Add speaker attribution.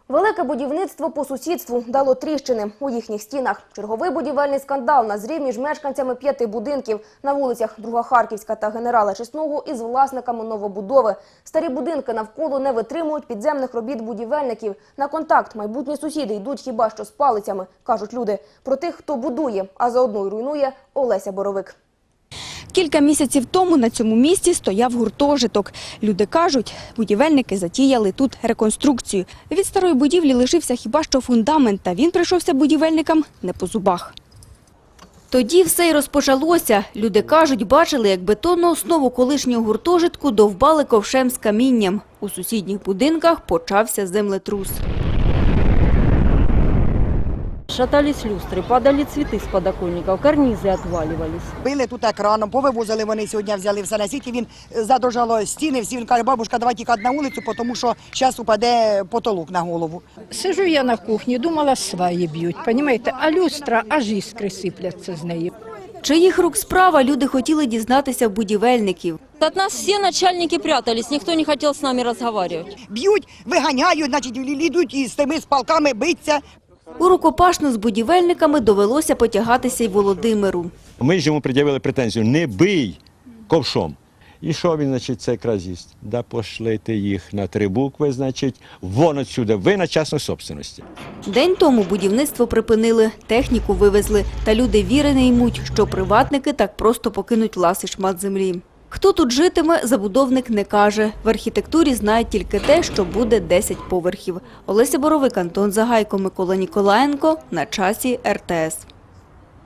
Speaker 1: Велике будівництво по сусідству дало тріщини у їхніх стінах. Черговий будівельний скандал назрів між мешканцями 5 будинків на вулицях Друга Харківська та Генерала Чесного із власниками новобудови. Старі будинки навколо не витримують підземних робіт будівельників. На контакт майбутні сусіди йдуть хіба що з палицями, кажуть люди. Про тих, хто будує, а заодно й руйнує, Олеся Боровик.
Speaker 2: Кілька місяців тому на цьому місці стояв гуртожиток. Люди кажуть, будівельники затіяли тут реконструкцію. Від старої будівлі лишився хіба що фундамент, та він прийшовся будівельникам не по зубах. Тоді все й розпочалося. Люди кажуть, бачили, як бетонну основу колишнього гуртожитку довбали ковшем з камінням. У сусідніх будинках почався землетрус.
Speaker 3: Шатались люстры, падали цветы с подоконников, карнизы отваливались.
Speaker 4: Били тут екраном, повивозили вони сьогодні, взяли все на світі, він задовжало стіни, всі, він каже, бабушка, давай тікати на вулицю, тому що зараз упаде потолок на голову.
Speaker 5: Сижу я на кухні, думала, сваї б'ють, понімаєте, а люстра, аж іскри сипляться з неї.
Speaker 2: Чиїх рук справа, люди хотіли дізнатися в будівельників.
Speaker 3: От нас все начальники прятались, никто не хотел с нами разговаривать.
Speaker 4: Б'ють, виганяють, значить, йдуть із тими палками биться.
Speaker 2: У рукопашну з будівельниками довелося потягатися й Володимиру.
Speaker 6: Ми ж йому пред'явили претензію: не бий ковшом. І що він, значить, це якраз їсть? Да пошлите їх на 3 букви, значить, вон отсюди, ви на частній собственності.
Speaker 2: День тому будівництво припинили, техніку вивезли, та люди віри не ймуть, що приватники так просто покинуть ласий шмат землі. Хто тут житиме, забудовник не каже. В архітектурі знають тільки те, що буде 10 поверхів. Олеся Боровик, Антон Загайко, Микола Ніколаєнко. На часі РТС.